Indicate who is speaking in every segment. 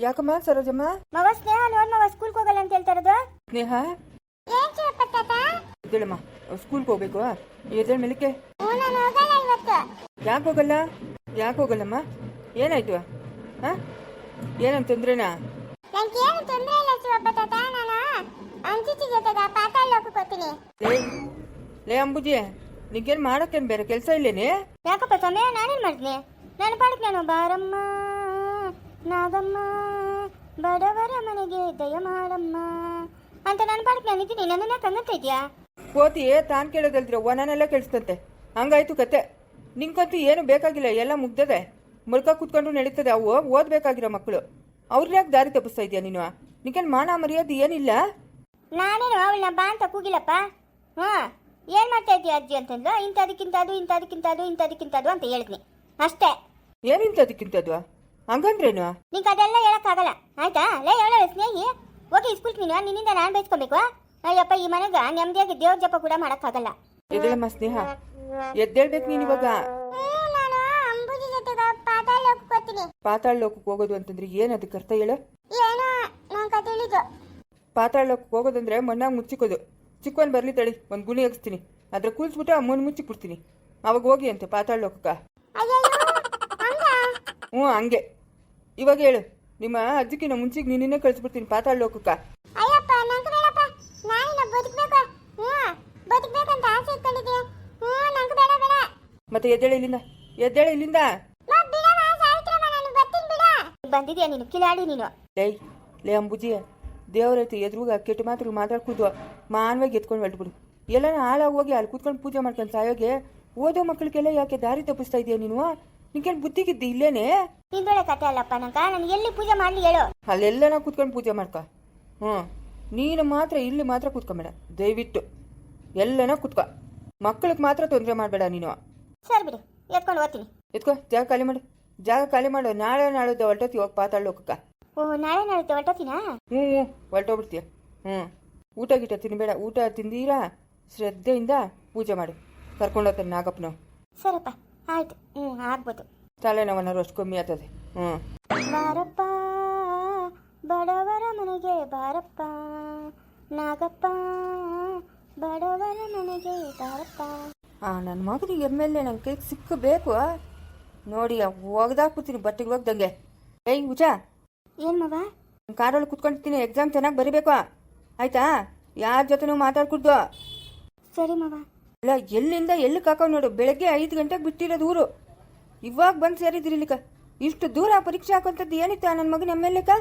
Speaker 1: ಯಾಕಮ್ಮ ಸರೋಜಮ್ಮ?
Speaker 2: ಮವ ಸ್ನೇಹ ನೋಡ್ ಮವ ಸ್ಕೂಲ್ಗೆ ಹೋಗಲ್ಲ ಅಂತ ಹೇಳ್ತಾ ಇರೋದು.
Speaker 1: ಸ್ನೇಹ ಎದ್ದೇಳಮ್ಮ, ಸ್ಕೂಲ್ಗೆ ಹೋಗ್ಬೇಕು. ಎದ್ದೇಳ ಮೇಲಕ್ಕೆ. ಯಾಕೆ ಹೋಗಲ್ಲ? ಯಾಕೆ ಹೋಗಲ್ಲಮ್ಮ? ಏನಾಯ್ತು? ಹಾ, ಏನಂತ ತೊಂದ್ರೆನಾ? ಲೇ ಅಂಬುಜಿ, ನಿಂಗೇನು ಮಾಡಕ್ಕೇನು ಬೇರೆ ಕೆಲಸ ಇಲ್ಲೇನೆ?
Speaker 2: ಯಾಕಪ್ಪ ಸಮಯ ನಾನೇನು ಮಾಡಿದ್ನಿ? ನಾನು ಪಾಡಕ್ ನಾನು ಬಾರಮ್ಮ ನಾಗಮ್ಮ ಬಡವರ ಮನೆಗೆ ದಯ ಮಾಡಮ್ಮ ಅಂತ ನಾನು ಪಾಡಕ್ ನಾನು ಇದ್ದೀನಿ. ನನ್ನನ್ನ ಕಂಗಂತ ಇದೆಯಾ?
Speaker 1: ಕೋತಿ ತಾನು ಕೇಳೋದಲ್ದಿರ ಒನನೆಲ್ಲ ಕೇಳಿಸ್ತಂತೆ. ಹಂಗಾಯ್ತು ಕತೆ. ನಿಂಗಂತೂ ಏನು ಬೇಕಾಗಿಲ್ಲ, ಎಲ್ಲ ಮುಗ್ದದೆ. ಮುಳ್ಕ ಕೂತ್ಕೊಂಡು ನಡೀತದೆ. ಅವು ಓದ್ಬೇಕಾಗಿರೋ ಮಕ್ಕಳು. ಅವ್ರನ್ನ ಯಾಕೆ ದಾರಿ ತಪ್ಪಿಸ್ತಾ ಇದೆಯಾ ನೀನು? ನಿಂಗೇನು ಮಾನ ಮರ್ಯಾದೆ ಏನಿಲ್ಲ?
Speaker 2: ನಾನೇನು ಅವಳನ್ನ ಬಾ ಅಂತ ಕೂಗಿಲ್ಲಪ್ಪ. ಏನ್ ಮಾಡ್ತಾ ಇದೀಯ ಅಜ್ಜಿ ಅಂತಂದ್ಲು. ಇಂಥದಕ್ಕಿಂತದು ಇಂಥದಕ್ಕಿಂತದು ಇಂಥದಕ್ಕಿಂತದು ಅಂತ ಹೇಳಿದ್ನಿ ಅಷ್ಟೇ.
Speaker 1: ಏನಿಂತದಕ್ಕಿಂತದು? ಹಂಗಂದ್ರೇನು?
Speaker 2: ನಿಂಗೆ ಅದೆಲ್ಲ ಹೇಳಕ್ಕಾಗಲ್ಲ ಆಯ್ತಾ? ಲೇ ಹೇಳ ಸ್ನೇಹಿ, ಹೋಗಿ ಸ್ಕೂಲ್ ನೀನು ನಿನ್ನಿಂದ ನಾನು ಬೈಸ್ಕೊಬೇಕು. ಅಯ್ಯಪ್ಪ, ಈ ಮನೆಗ ನೆಮ್ಮದಿಯಾಗಿ ದೇವ್ರ ಜಪ ಕೂಡ ಮಾಡಕ್ಕಾಗಲ್ಲ.
Speaker 1: ಎದ್ದೇಳಮ್ಮ ಸ್ನೇಹ, ಎದ್ದೇಳ್ಬೇಕು ನೀನ್ ಇವಾಗ. ಪಾತಾಳ ಲೋಕಕ್ಕೆ ಹೋಗೋದು ಅಂತಂದ್ರೆ ಏನ್ ಅದಕ್ಕೆ ಅರ್ಥ ಹೇಳು? ಪಾತಾಳ ಲೋಕಕ್ಕೆ ಹೋಗೋದಂದ್ರೆ ಮಣ್ಣಾಗ ಮುಚ್ಚಿಕೋದು. ಚಿಕ್ಕವನ್ ಬರ್ಲಿ ತಡಿ, ಒಂದ್ ಗುಣಿ ಹಾಕ್ಸ್ತೀನಿ, ಅದ್ರ ಕೂಲ್ಸ್ಬಿಟ್ಟು ಅಮ್ಮನ ಮುಚ್ಚಿಕ್ಬಿಡ್ತೀನಿ. ಅವಾಗ ಹೋಗಿ ಅಂತೆ ಪಾತಾಳ ಲೋಕಕ್ಕ. ಹಂಗೆ. ಇವಾಗ ಹೇಳು, ನಿಮ್ಮ ಅಜ್ಜಿಕಿನ ಮುಂಚಿಗೆ ನೀನಿನ್ನೇ ಕಳಿಸ್ಬಿಡ್ತೀನಿ ಪಾತಾಳ ಲೋಕಕ್ಕ. ಮತ್ತೆ ಎದ್ದೇಳ ಇಲ್ಲಿಂದ, ಎದ್ದೇಳ ಇಲ್ಲಿಂದ.
Speaker 2: ಬಂದಿದ್ಯಾ ನೀನು ಕಿಲಾಡಿ ನೀನು?
Speaker 1: ಲೇ ಅಂಬುಜಿ, ದೇವರೈತಿ ಎದುರುಗ ಕೆಟ್ಟ ಮಾತ್ರ ಮಾತಾಡ್ಕೂದು ಮಾನವಾಗಿ ಎತ್ಕೊಂಡು ಹೊರಟ್ಬಿಡು. ಎಲ್ಲನ ಹಾಳಾಗಿ ಹೋಗಿ ಅಲ್ಲಿ ಕೂತ್ಕೊಂಡು ಪೂಜೆ ಮಾಡ್ಕೊಂಡು ಸಾಯೋಗೆ ಓದೋ ಮಕ್ಕಳಿಗೆಲ್ಲ ಯಾಕೆ ದಾರಿ ತಪ್ಪಿಸ್ತಾ ಇದೆಯಾ ನೀನು? ನಿಂಗೇನು ಬುದ್ಧಿಗಿದ್ದಿ ಇಲ್ಲೇನೆ?
Speaker 2: ನಿಂದೊಳೆ ಕತೆ ಅಲ್ಲಪ್ಪ. ನಾನು ಎಲ್ಲಿ ಪೂಜೆ ಮಾಡ್ಲಿ ಹೇಳು?
Speaker 1: ಅಲ್ಲೆಲ್ಲನ ಕೂತ್ಕೊಂಡು ಪೂಜೆ ಮಾಡ್ಕ. ನೀನು ಮಾತ್ರ ಇಲ್ಲಿ ಮಾತ್ರ ಕೂತ್ಕೊಂಬೇಡ ದಯವಿಟ್ಟು. ಎಲ್ಲನ ಕೂತ್ಕೊ, ಮಕ್ಕಳಿಗೆ ಮಾತ್ರ ತೊಂದರೆ ಮಾಡಬೇಡ ನೀನು.
Speaker 2: ಸರಿ ಬಿಡು, ಎತ್ಕೊಂಡು ಹೋಗ್ತೀನಿ.
Speaker 1: ಎತ್ಕೋ, ಜಾಗ ಖಾಲಿ ಮಾಡು, ಜಾಗ ಖಾಲಿ ಮಾಡು. ನಾಳೆ ನಾಳಿದ್ದ ಹೊರಟೋತಿ ಹೋಗಿ ಪಾತಾಳ ಲೋಕಕ್ಕ.
Speaker 2: ನಾಳೆ ನಾಳಿದ್ದ ಹೊರಟೋತಿನಾ?
Speaker 1: ಹೊರಟೋಗ್ಬಿಡ್ತೀಯ. ಊಟ ಗೀಟ ತಿನ್ಬೇಡ. ಊಟ ತಿಂದೀರಾ ಶ್ರದ್ಧೆಯಿಂದ ಪೂಜೆ ಮಾಡಿ ಕರ್ಕೊಂಡೋಗ್ತಾನೆ ನಾಗಪ್ಪನವು.
Speaker 2: ಸರಪ್ಪ, ಆಯ್ತು. ಆಗ್ಬೋದು.
Speaker 1: ತಲೆನೋವನ್ನಾರು ಅಷ್ಟು ಕಮ್ಮಿ ಆಗ್ತದೆ.
Speaker 2: ಬಾರಪ್ಪ ಬಡವರ ಮನೆಗೆ ಬಾರಪ್ಪ ನಾಗಪ್ಪ ಬಡವರ ಮನೆಗೆ ಬಾರಪ್ಪ.
Speaker 1: ನನ್ನ ಮಗನಿಗೆ ಎಮ್.ಎಲ್.ಎ ನನ್ನ ಕೈಗೆ ಸಿಕ್ಕಬೇಕು ನೋಡಿ. ಒಗ್ದಾಕ್ಬಿಡ್ತೀನಿ ಬಟ್ಟೆಗೆ ಹೋಗ್ದಂಗೆ. ಏಯ್ ಉಜಾ,
Speaker 2: ಏನ್ ಮವ?
Speaker 1: ಕಾರಲ್ಲಿ ಕುತ್ಕೊಂಡಿರ್ತೀನಿ. ಎಕ್ಸಾಮ್ ಚೆನ್ನಾಗಿ ಬರಿಬೇಕು ಆಯ್ತಾ? ಯಾರ ಜೊತೆನೂ ಮಾತಾಡ್ಕೊಡ್ದು.
Speaker 2: ಸರಿ ಮವ.
Speaker 1: ಇಲ್ಲ, ಎಲ್ಲಿಂದ ಎಲ್ಲಿ ಕಾಕೊಂಡು ನೋಡು. ಬೆಳಗ್ಗೆ 5 ಗಂಟೆಗೆ ಬಿಟ್ಟಿರೋದು ಊರು, ಇವಾಗ ಬಂದು ಸೇರಿದ್ರಿ ಇಲ್ಲಿಕ. ಇಷ್ಟು ದೂರ ಪರೀಕ್ಷೆ ಹಾಕೋಂಥದ್ದು ಏನಿತ್ತು ನನ್ನ ಮಗನ ಎಮ್.ಎಲ್.ಎಕ್ಕ?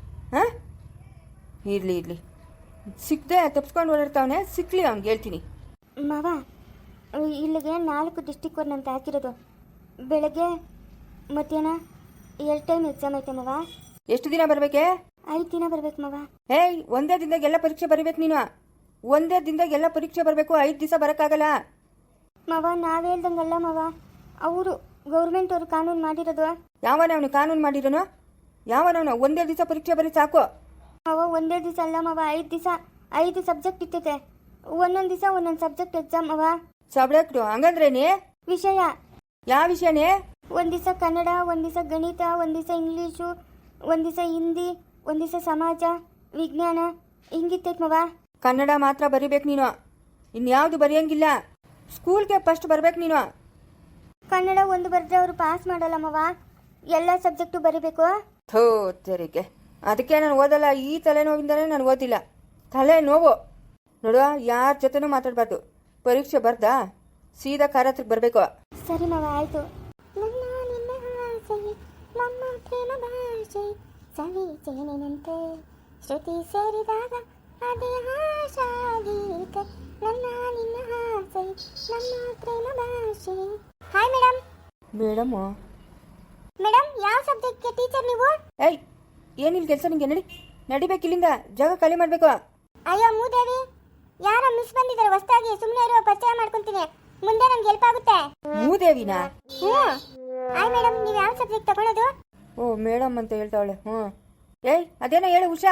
Speaker 1: ಇರ್ಲಿ ಸಿಕ್ಕದೆ ತಪ್ಸ್ಕೊಂಡು ಓಡಾಡ್ತಾವನೆ. ಸಿಕ್ಲಿ ಅವ್ನಿಗೆ ಹೇಳ್ತೀನಿ.
Speaker 2: ಮವ, ಇಲ್ಲಿಗೆ 4 ಡಿಸ್ಟಿಕ್ ಅಂತ ಹಾಕಿರೋದು. ಬೆಳಗ್ಗೆ ಮಧ್ಯಾಹ್ನ 2 ಟೈಮ್ ಎಕ್ಸಾಮ್ ಐತೆ ಮವ.
Speaker 1: ಎಷ್ಟು ದಿನ ಬರ್ಬೇಕೆ?
Speaker 2: 5 ದಿನ ಬರ್ಬೇಕು ಮವ.
Speaker 1: ಒಂದೇ ದಿನದಾಗ ಎಲ್ಲ ಪರೀಕ್ಷೆ ಬರೀಬೇಕು ನೀನು. ಒಂದೇ ದಿನದಾಗ ಎಲ್ಲ ಪರೀಕ್ಷೆ ಬರಬೇಕು. 5 ದಿವಸ ಬರೋಕ್ಕಾಗಲ್ಲ
Speaker 2: ಮವ. ನಾವ್ ಹೇಳ್ದಂಗಲ್ಲ ಮವ, ಅವರು ಗೌರ್ಮೆಂಟ್ ಅವರು ಕಾನೂನು ಮಾಡಿರೋದು.
Speaker 1: ಯಾವನವನು ಕಾನೂನು ಮಾಡಿರೋನು? ಯಾವನವನು? ಒಂದೇ ದಿವಸ ಪರೀಕ್ಷೆ ಬರೀ ಸಾಕು.
Speaker 2: ಮವ ಒಂದೇ ದಿವಸ ಅಲ್ಲ ಮವ, 5 ದಿವಸ 5 ಸಬ್ಜೆಕ್ಟ್ ಇರ್ತೈತೆ. ಒಂದೊಂದು ದಿವಸ ಒಂದೊಂದು ಸಬ್ಜೆಕ್ಟ್ ಎಕ್ಸಾಮ್ ಮವ.
Speaker 1: ಸಬ್ಜೆಕ್ಟ್ ಹಂಗಂದ್ರೇನೆ?
Speaker 2: ವಿಷಯ.
Speaker 1: ಯಾವ ವಿಷಯನೇ?
Speaker 2: ಒಂದು ದಿವಸ ಕನ್ನಡ, ಒಂದು ದಿವಸ ಗಣಿತ, ಒಂದು ದಿವಸ ಇಂಗ್ಲೀಷು, ಒಂದು ದಿವಸ ಹಿಂದಿ, ಒಂದು ದಿವಸ ಸಮಾಜ ವಿಜ್ಞಾನ, ಹಿಂಗಿರ್ತೈತೆ ಮವ.
Speaker 1: ಕನ್ನಡ ಮಾತ್ರ ಬರಿಬೇಕು ನೀನು, ಇನ್ಯಾವುದು ಬರೆಯಂಗಿಲ್ಲ. ಸ್ಕೂಲ್ಗೆ ಫಸ್ಟ್ ಬರ್ಬೇಕು ನೀನು.
Speaker 2: ಕನ್ನಡ ಒಂದು ಬರೆದ್ರೆ ಅವರು ಪಾಸ್ ಮಾಡಲ್ಲ ಮವ, ಎಲ್ಲ ಸಬ್ಜೆಕ್ಟು ಬರಿಬೇಕು.
Speaker 1: ತೆರಿಗೆ, ಅದಕ್ಕೆ ನಾನು ಓದಲ್ಲ. ಈ ತಲೆನೋವಿಂದನೇ ನಾನು ಓದಿಲ್ಲ. ತಲೆ ನೋವು ನೋಡುವ. ಯಾರ ಜೊತೆನೂ ಮಾತಾಡಬಾರ್ದು. ಪರೀಕ್ಷೆ ಬರ್ದಾ ಸೀದಾ ಕಾರ ಹತ್ರಕ್ಕೆ ಬರಬೇಕು.
Speaker 2: ಸರಿ ಮವ, ಆಯ್ತು. ನನ್ನ ನಿನ್ನ ಆಸೆ ನಮ್ಮ ಪ್ರೇಮ ಭಾಷೆ ಸವಿಚೇನೆನಂತೆ ಶ್ರುತಿ ಸೇರಿದಾಗ ಅದೇ ಆಶಾ ಗೀತೆ. ನನ್ನ ನಿನ್ನ ಆಸೆ ನಮ್ಮ ಪ್ರೇಮ ಭಾಷೆ. Hi madam.
Speaker 1: ಮೇಡಮು?
Speaker 2: ಮೇಡಮ್, ಯಾವ ಸಬ್ಜೆಕ್ಟ್ಗೆ ಟೀಚರ್ ನೀವು?
Speaker 1: ಏನಿಲ್ಲ ಕೆಲಸ ನಿಂಗೆ. ನಡಿಬೇಕಿಲ್ಲಿಂದ. ಜಾಗ ಖಾಲಿ ಮಾಡಬೇಕು.
Speaker 2: ಅಯ್ಯೋ ಮೂದೇವಿ, ಯಾರೋ ಮಿಸ್ ಬಂದಿದ್ದಾರೆ ಹೊಸದಾಗಿ. ಸುಮ್ಮನೆ ಇರೋ, ಪರಿಚಯ ಮಾಡ್ಕೊಂತೀನಿ. ಮುಂದೆ ನಮ್ಗೆ ಹೆಲ್ಪ್ ಆಗುತ್ತೆ.
Speaker 1: ಮೂದೇವಿನಾ?
Speaker 2: ಹಾಯ್ ಮೇಡಮ್, ನೀವು ಯಾವ ಸಬ್ಜೆಕ್ಟ್ ತಗೊಳ್ಳೋದು?
Speaker 1: ಮೇಡಮ್ ಅಂತ ಹೇಳ್ತಾವಳೆ. ಅದೇನೋ ಹೇಳು ಉಷಾ.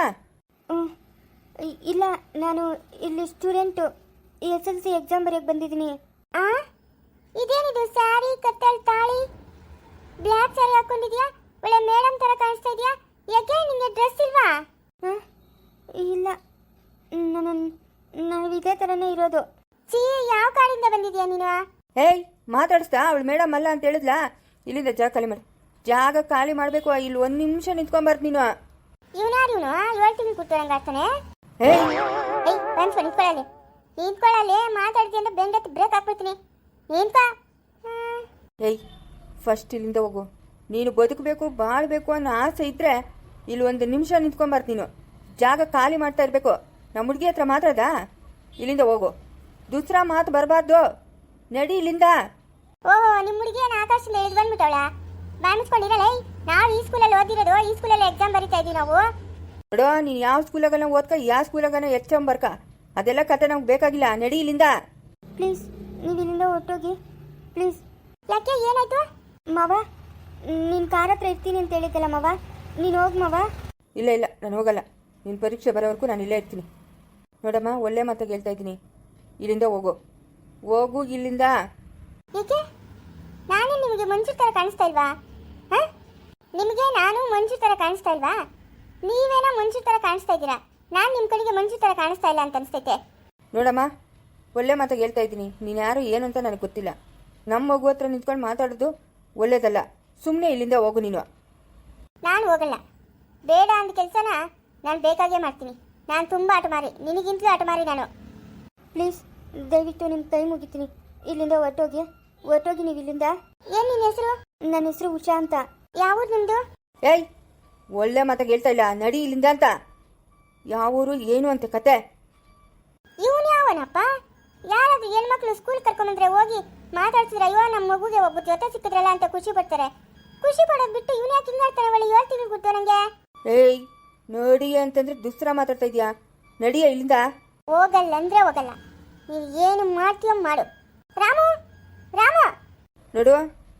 Speaker 2: ಇಲ್ಲ, ನಾನು ಇಲ್ಲಿ ಸ್ಟೂಡೆಂಟು. SLC ಎಕ್ಸಾಮ್ ಬರೆಯಕ್ಕೆ ಬಂದಿದ್ದೀನಿ. ಇದೇನಿದು ಸ್ಯಾರಿ, ಕತ್ತಲ್ ತಾಳಿ, ಬ್ಲ್ಯಾಕ್ ಸ್ಯಾರಿ ಹಾಕೊಂಡಿದ್ಯಾ? ಒಳ್ಳೆ ಮೇಡಮ್ ತರ ಕಾಣಿಸ್ತಾ ಇದೆಯಾ. ಯಾಕೆ ನಿಂಗೆ ನಾವು ಇದೇ ಥರನೇ ಇರೋದು. ಸಿ ಯಾವ ಕಾಡಿಂದ ಬಂದಿದ್ಯಾ ನೀನು?
Speaker 1: ಏಯ್ ಮಾತಾಡಿಸ್ತಾ ಅವಳು ಮೇಡಮ್ ಅಲ್ಲ ಅಂತ ಹೇಳಿದ್ಲಾ? ಇಲ್ಲಿಂದ ಜಾಗ ಖಾಲಿ ಮಾಡಿ. ಜಾಗ ಖಾಲಿ ಮಾಡಬೇಕು. ಇಲ್ಲಿ ಒಂದು ನಿಮಿಷ ನಿಂತ್ಕೊಂಬಾರ್ದು ನೀನು.
Speaker 2: ಇವನಾರು ಇವನು 7 ತಿಂಗಳು ಕೂತ್ಕೊಳ್ಳಂಗೆ ಆಗ್ತಾನೆ.
Speaker 1: ಏಯ್
Speaker 2: ಬಂದ್ಸು ನಿಂತ್ಕೊಳ್ಳಲ್ಲಿ ಮಾತಾಡ್ತೀನಿ ಅಂತ ಬೆಂಡತ್ತು ಬ್ರೇಕ್ ಹಾಕ್ಬಿಡ್ತೀನಿ. ನಿಂತ
Speaker 1: ಏಯ್ ಫಸ್ಟ್ ಇಲ್ಲಿಂದ ಹೋಗು. ನೀನು ಬದುಕಬೇಕು ಬಾಳ್ಬೇಕು ಅನ್ನೋ ಆಸೆ ಇದ್ರೆ ಇಲ್ಲಿ ಒಂದು ನಿಮಿಷ ನಿಂತ್ಕೊಂಬಾರ್ದು ನೀನು. ಜಾಗ ಖಾಲಿ ಮಾಡ್ತಾ ಇರಬೇಕು. ನಮ್ಮ ಹುಡುಗಿ ಹತ್ರ ಮಾತಾಡ್ದಾ? ಇಲ್ಲಿಂದ ಹೋಗು. ದೂಸರಾ ಮಾತು ಬರಬಾರ್ದು. ನಡಿ ಇಲ್ಲಿಂದ.
Speaker 2: ಓಹೋ ನಿಮ್ಮ ಹುಡುಗಿಯನ್ನು ಆಕಾಶದಿಂದ ಇಳಿದು ಬಂದ್ಬಿಟ್ಟವಳ? ಬಾಮಿಸ್ಕೊಂಡಿರಲ್ಲ. ನಾವು ಈ ಸ್ಕೂಲಲ್ಲಿ ಓದಿರೋದು, ಈ ಸ್ಕೂಲಲ್ಲಿ ಎಕ್ಸಾಮ್ ಬರೀತಾ ಇದೀವಿ ನಾವು.
Speaker 1: ನೋಡೋ ನೀನು ಯಾವ ಸ್ಕೂಲಾಗನ ಓದ್ಕ, ಯಾವ ಸ್ಕೂಲಾಗನ ಬರ್ಕ, ಅದೆಲ್ಲ ಕತೆ ನಮ್ಗೆ ಬೇಕಾಗಿಲ್ಲ. ನಡಿ ಇಲ್ಲಿಂದ.
Speaker 2: ಪ್ಲೀಸ್ ನೀವು ಇಲ್ಲಿಂದ ಹೊರಟೋಗಿ ಪ್ಲೀಸ್. ಯಾಕೆ ಏನಾಯ್ತು ಮಾವ? ನೀನು ಕಾರ್ ಹತ್ರ ಇರ್ತೀನಿ ಅಂತ ಹೇಳಿದ್ದಲ್ಲ ಮಾವ, ನೀನು ಹೋಗಿ ಮಾವ.
Speaker 1: ಇಲ್ಲ ಇಲ್ಲ ನಾನು ಹೋಗಲ್ಲ. ನಿನ್ನ ಪರೀಕ್ಷೆ ಬರೋವರೆಗೂ ನಾನು ಇಲ್ಲೇ ಇರ್ತೀನಿ. ನೋಡಮ್ಮ ಒಳ್ಳೆ ಮಾತಾಗಿ ಹೇಳ್ತಾ ಇದ್ದೀನಿ. ಇಲ್ಲಿಂದ ಹೋಗು. ಹೋಗು ಇಲ್ಲಿಂದ.
Speaker 2: ಏಕೆ ನಾನೇ ನಿಮಗೆ ಮಂಜು ಥರ ಕಾಣಿಸ್ತಾ ಇಲ್ವಾ? ಹಾಂ, ನಿಮಗೆ ನಾನು ಮಂಜು ಥರ ಕಾಣಿಸ್ತಾ ಇಲ್ವಾ? ನೀವೇನೋ ಮಂಜು ಥರ ಕಾಣಿಸ್ತಾ ಇದ್ದೀರಾ, ನಾನು ನಿಮ್ಮ ಕಡೆಗೆ ಮಂಜು ಥರ ಕಾಣಿಸ್ತಾ ಇಲ್ಲ ಅಂತ ಅನಿಸ್ತೈತೆ.
Speaker 1: ನೋಡಮ್ಮ ಒಳ್ಳೆ ಮಾತಾಗಿ ಹೇಳ್ತಾ ಇದ್ದೀನಿ. ನೀನು ಯಾರು ಏನು ಅಂತ ನನಗೆ ಗೊತ್ತಿಲ್ಲ. ನಮ್ಮ ಮಗು ಹತ್ರ ನಿಂತ್ಕೊಂಡು ಮಾತಾಡೋದು ಒಳ್ಳೇದಲ್ಲ. ಸುಮ್ಮನೆ ಇಲ್ಲಿಂದ ಹೋಗು ನೀನು.
Speaker 2: ನಾನು ಹೋಗಲ್ಲ. ಬೇಡ ಅಂದ ಕೆಲಸನ ನಾನು ಬೇಕಾಗೇ ಮಾಡ್ತೀನಿ. ನಾನು ತುಂಬ ಆಟಮಾರಿ, ನಿನಗಿಂತಲೂ ಆಟಮಾರಿ ನಾನು. ಪ್ಲೀಸ್ ದಯವಿಟ್ಟು ನಿಮ್ಮ ಕೈ ಮುಗಿತೀನಿ. ಇಲ್ಲಿಂದ ಹೊರಟೋಗಿ ನೀವು ಇಲ್ಲಿಂದ. ಏನು ನಿನ್ನ ಹೆಸರು? ನನ್ನ ಹೆಸರು ಉಷಾ ಅಂತ. ಯಾವುದು ನಿಮ್ಮದು?
Speaker 1: ಏಯ್ ಒಳ್ಳೆ ಮಾತಾಗಿ ಹೇಳ್ತಾ ಇಲ್ಲ. ನಡಿ ಇಲ್ಲಿಂದ ಅಂತ. ಯಾವೂರು ಏನು ಅಂತ ಕತೆ?
Speaker 2: ಇವನು ಯಾವನಪ್ಪ? ಯಾರಾದ್ರೂ ಹೆಣ್ಮಕ್ಳು ಸ್ಕೂಲ್ ಕರ್ಕೊಂಬಂದ್ರೆ ಹೋಗಿ ಮಾತಾಡ್ಸಿದ್ರೆ ಅಯ್ಯೋ ನಮ್ಮ ಮಗುಗೆ ಒಬ್ಬ ಜೊತೆ ಸಿಕ್ಕಿದ್ರಲ್ಲ ಅಂತ ಖುಷಿ ಪಡ್ತಾರೆ. ಖುಷಿ ಪಡೋದು ಬಿಟ್ಟು ಇವನು ಯಾಕೆ ಹಿಂಗಾಡ್ತಾನೆ? ಒಳ್ಳೆ 7 ತಿಂಗಳು ಕೊಡ್ತು ನನಗೆ.
Speaker 1: ಏಯ್ ನೋಡಿ ಅಂತಂದ್ರೆ ದುಸ್ರ ಮಾತಾಡ್ತಾ ಇದೀಯಾ? ನಡಿಯ ಇಲ್ಲಿಂದ.
Speaker 2: ಹೋಗಲ್ಲ ಅಂದ್ರೆ ಹೋಗಲ್ಲ. ನೀವು ಏನು ಮಾಡ್ತೀಯೋ ಮಾಡು. ರಾಮು ರಾಮು
Speaker 1: ನೋಡು,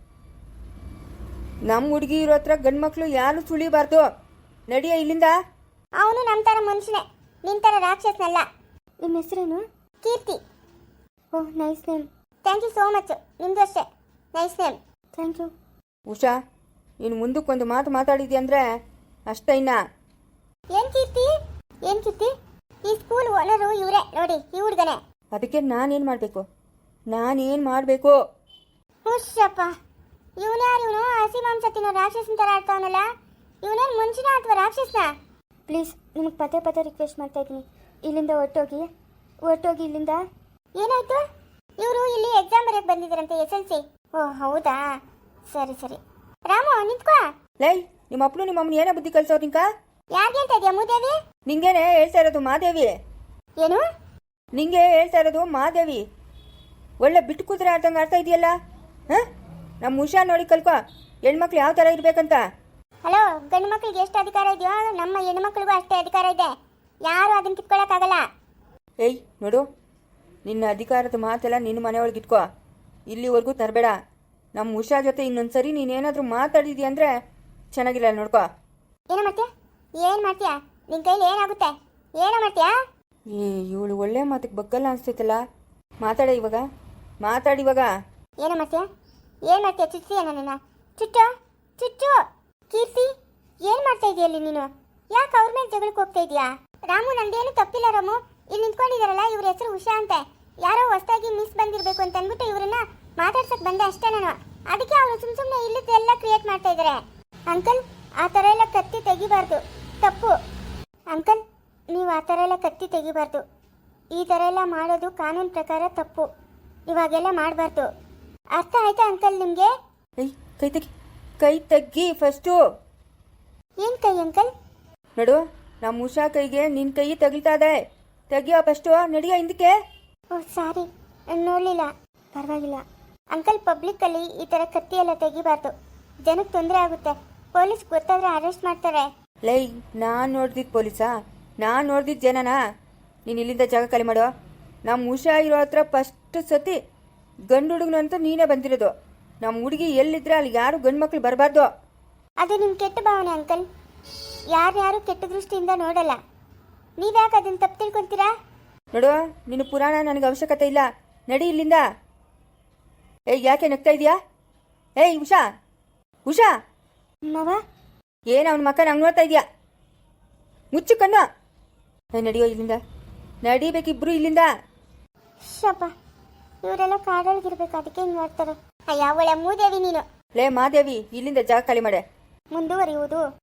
Speaker 1: ನಮ್ಮ ಹುಡುಗಿ ಇರೋ ಹತ್ರ ಗಂಡು ಮಕ್ಕಳು ಯಾರು ಸುಳಿಬಾರ್ದು. ನಡಿಯ ಇಲ್ಲಿಂದ.
Speaker 2: ಅವನು ನಮ್ಮ ಥರ ಮನುಷ್ಯನೇ, ನಿನ್ನ ಥರ ರಾಕ್ಷಸನಲ್ಲ. ನಿಮ್ಮ ಹೆಸರೇನು? Keerthi. Oh nice name. Thank you so much. ನಿಮ್ಮದು ಅಷ್ಟೇ nice name. Thank you.
Speaker 1: Usha, ನೀನು ಮುಂದಕ್ಕೊಂದು ಮಾತು ಮಾತಾಡಿದ್ಯಾ ಅಂದರೆ ಅಷ್ಟೇ. ಇನ್ನ
Speaker 2: ಏನು ಕೀರ್ತಿ? ಏನು ಕೀರ್ತಿ? ಈ ಸ್ಕೂಲ್ ಓನರು ಇವರೇ ನೋಡಿ, ಈ ಹುಡುಗನೇ.
Speaker 1: ಅದಕ್ಕೆ ನಾನೇನು ಮಾಡಬೇಕು?
Speaker 2: ಹುಷಪ್ಪ, ಇವನು ಯಾರು? ಇವನು ಹಸಿ ಮಾಂಸ ತಿನ್ನೋ ರಾಕ್ಷಸನ ಥರ ಆಡ್ತಾವನಲ್ಲ. ಇವನೇನು ಮನುಷ್ಯನ ಅಥವಾ ರಾಕ್ಷಸನ? ಪ್ಲೀಸ್ ನಿಮಗೆ ಪದೇ ರಿಕ್ವೆಸ್ಟ್ ಮಾಡ್ತಾ ಇದ್ದೀನಿ, ಇಲ್ಲಿಂದ ಹೊರಟೋಗಿ ಇಲ್ಲಿಂದ. ಏನಾಯ್ತು? ಇವರು ಇಲ್ಲಿ ಎಕ್ಸಾಮ್ ಬರೆಯಕ್ಕೆ ಬಂದಿದ್ದಾರಂತೆ, SLC. ಓಹ್ ಹೌದಾ, ಸರಿ. ರಾಮು ನಿಂತ್ಕೋ.
Speaker 1: ಲೈ, ನಿಮ್ಮ ಅಪ್ಪನು ನಿಮ್ಮ ಅಮ್ಮನ ಏನೋ ಬುದ್ಧಿ ಕಲ್ಸೋರು ನಿಂಕ?
Speaker 2: ಯಾಕೆ ಹೇಳ್ತಾ ಇದೆಯಾ ಮೂದೇವಿ?
Speaker 1: ನಿಂಗೇನೆ ಹೇಳ್ತಾ ಇರೋದು ಮಾದೇವಿ.
Speaker 2: ಏನು?
Speaker 1: ನಿಂಗೆ ಹೇಳ್ತಾ ಇರೋದು ಮಾದೇವಿ. ಒಳ್ಳೆ ಬಿಟ್ಟು ಕೂತ್ರೆ ಆಡ್ದಂಗೆ ಆಡ್ತಾ ಇದೆಯಲ್ಲ. ಹಾಂ, ನಮ್ಮ ಉಷಾ ನೋಡಿ ಕಲ್ಕೊ, ಹೆಣ್ಮಕ್ಳು ಯಾವ ಥರ ಇರಬೇಕಂತ.
Speaker 2: ಹಲೋ, ಗಂಡು ಮಕ್ಳಿಗೆ ಎಷ್ಟು ಅಧಿಕಾರ ಇದೆಯೋ ನಮ್ಮ ಹೆಣ್ಮಕ್ಳಿಗೂ ಅಷ್ಟೇ ಅಧಿಕಾರ ಇದೆ. ಯಾರು ಅದನ್ನು ಕಿತ್ಕೊಳ್ಳೋಕ್ಕಾಗಲ್ಲ.
Speaker 1: ಏಯ್ ನೋಡು, ನಿನ್ನ ಅಧಿಕಾರದ ಮಾತೆಲ್ಲ ನಿನ್ನ ಮನೆಯೊಳಗೆ ಇಟ್ಕೋ. ಇಲ್ಲಿವರೆಗೂ ತರಬೇಡ. ನಮ್ಮ ಉಷಾ ಜೊತೆ ಇನ್ನೊಂದ್ಸರಿ ನೀನೇನಾದರೂ ಮಾತಾಡಿದ್ಯಾ ಅಂದರೆ ಚೆನ್ನಾಗಿಲ್ಲ. ನೋಡ್ಕೋ.
Speaker 2: ಏನು ಮಾಡ್ತೀಯಾ? ನಿನ್ನ ಕೈಲಿ ಏನಾಗುತ್ತೆ? ಏನೋ ಮಾಡ್ತೀಯಾ?
Speaker 1: ಇವಳು ಒಳ್ಳೆ ಮಾತಿಗೆ ಬಗ್ಗಲ್ಲ ಅನಿಸ್ತೈತಲ್ಲ. ಮಾತಾಡಿ ಇವಾಗ.
Speaker 2: ಏನು ಮಾಡ್ತೀಯಾ? ಚುಚ್ಚಿ ನನ್ನ ಚುಚ್ಚು. ಕೀರ್ತಿ, ಏನು ಮಾಡ್ತಾ ಇದೆಯಲ್ಲಿ ನೀನು? ಯಾಕೆ ಅವ್ರ ಮೇಲೆ ಜಗಳಕ್ಕೆ ಹೋಗ್ತಾ ಇದೆಯಾ? ರಾಮು, ನಂದೇನು ತಪ್ಪಿಲ್ಲ ರಾಮು. ಇಲ್ಲಿ ನಿಂತ್ಕೊಂಡಿದ್ದಾರಲ್ಲ, ಇವ್ರ ಹೆಸರು ಉಷಾ ಅಂತ. ಯಾರೋ ಹೊಸದಾಗಿ ಮಿಸ್ ಬಂದಿರಬೇಕು ಅಂತ ಅಂದ್ಬಿಟ್ಟು ಇವ್ರನ್ನ ಮಾತಾಡ್ಸಕ್ಕೆ ಬಂದೆ ಅಷ್ಟೇ ನಾನು. ಅದಕ್ಕೆ ಅವರು ಸುಮ್ಮನೆ ಇಲ್ಲಿದ್ದೆಲ್ಲ ಕ್ರಿಯೇಟ್ ಮಾಡ್ತಾ ಇದ್ದಾರೆ. ಅಂಕಲ್, ಆ ಥರ ಎಲ್ಲ ಕತ್ತಿ ತೆಗಿಬಾರ್ದು, ತಪ್ಪು. ಅಂಕಲ್, ನೀವು ಆ ಥರ ಎಲ್ಲ ಕತ್ತಿ ತೆಗಿಬಾರ್ದು. ಈ ಥರ ಎಲ್ಲ ಮಾಡೋದು ಕಾನೂನು ಪ್ರಕಾರ ತಪ್ಪು. ಇವಾಗೆಲ್ಲ ಮಾಡಬಾರ್ದು. ಅರ್ಥ ಆಯ್ತಾ ಅಂಕಲ್ ನಿಮಗೆ?
Speaker 1: ಏಯ್ ಕೈ ತೆಗ್ಗಿ ಫಸ್ಟು.
Speaker 2: ಏನು ಕೈ ಅಂಕಲ್?
Speaker 1: ನೋಡು, ನಮ್ಮ ಉಷಾ ಕೈಗೆ ನಿನ್ನ ಕೈ ತಗಿತಾ ಇದೆ. ತೆಗಿಯೋ ಫಸ್ಟು. ನಡಿಯೋ ಹಿಂದಕ್ಕೆ.
Speaker 2: ಓಹ್ ಸಾರಿ, ನೋಡಲಿಲ್ಲ. ಪರವಾಗಿಲ್ಲ ಅಂಕಲ್. ಪಬ್ಲಿಕ್ಕಲ್ಲಿ ಈ ಥರ ಕತ್ತಿ ಎಲ್ಲ ತೆಗಿಬಾರ್ದು. ಜನಕ್ಕೆ ತೊಂದರೆ ಆಗುತ್ತೆ. ಪೊಲೀಸ್ ಗೊತ್ತಾದರೆ ಅರೆಸ್ಟ್ ಮಾಡ್ತಾರೆ.
Speaker 1: ಲೈ, ನಾನು ನೋಡ್ದಿದ್ದು ಪೊಲೀಸಾ? ನಾನು ನೋಡ್ದಿದ್ದು ಜನನಾ? ನೀನು ಇಲ್ಲಿಂದ ಜಾಗ ಖಾಲಿ ಮಾಡೋ. ನಮ್ಮ ಉಷಾ ಇರೋ ಹತ್ರ ಫಸ್ಟ್ ಸತಿ ಗಂಡು ಹುಡುಗನಂತೂ ನೀನೇ ಬಂದಿರೋದು. ನಮ್ಮ ಹುಡುಗಿ ಎಲ್ಲಿದ್ರೆ ಅಲ್ಲಿ ಯಾರು ಗಂಡು ಮಕ್ಳು ಬರಬಾರ್ದು.
Speaker 2: ಅದು ನಿಮ್ಮ ಕೆಟ್ಟ ಭಾವನೆ ಅಂಕಲ್. ಯಾರ್ಯಾರು ಕೆಟ್ಟ ದೃಷ್ಟಿಯಿಂದ ನೋಡಲ್ಲ. ನೀವ್ಯಾಕೆ ಅದನ್ನು ತಪ್ಪು ತಿಳ್ಕೊತೀರಾ?
Speaker 1: ನೋಡು, ನಿನ್ನ ಪುರಾಣ ನನಗೆ ಅವಶ್ಯಕತೆ ಇಲ್ಲ. ನಡಿ ಇಲ್ಲಿಂದ. ಏಯ್ ಯಾಕೆ ನಗ್ತಾ ಇದೆಯಾ? ಏಯ್ ಉಷಾ
Speaker 2: ಮಾವ,
Speaker 1: ಏನು ಅವನ ಮಕ್ಕ ನಂಗೆ ನೋಡ್ತಾ ಇದೆಯಾ? ಮುಚ್ಚು ಕಣ್ಣು. ನಡಿಯೋ ಇಲ್ಲಿಂದ. ನಡಿಬೇಕಿಬ್ರು ಇಲ್ಲಿಂದ.
Speaker 2: ಶಪ್ಪ ಇವರೆಲ್ಲ ಕಾಡೊಳಗಿರ್ಬೇಕು, ಅದಕ್ಕೆ ಹಿಂಗೆ ಮಾಡ್ತಾರೆ. ಅಯ್ಯ ಒಳ್ಳೆ ಮೂದೇವಿ ನೀನು.
Speaker 1: ಲೇ ಮಾದೇವಿ, ಇಲ್ಲಿಂದ ಜಾಗ ಖಾಲಿ ಮಾಡೆ.
Speaker 2: ಮುಂದುವರಿಯುವುದು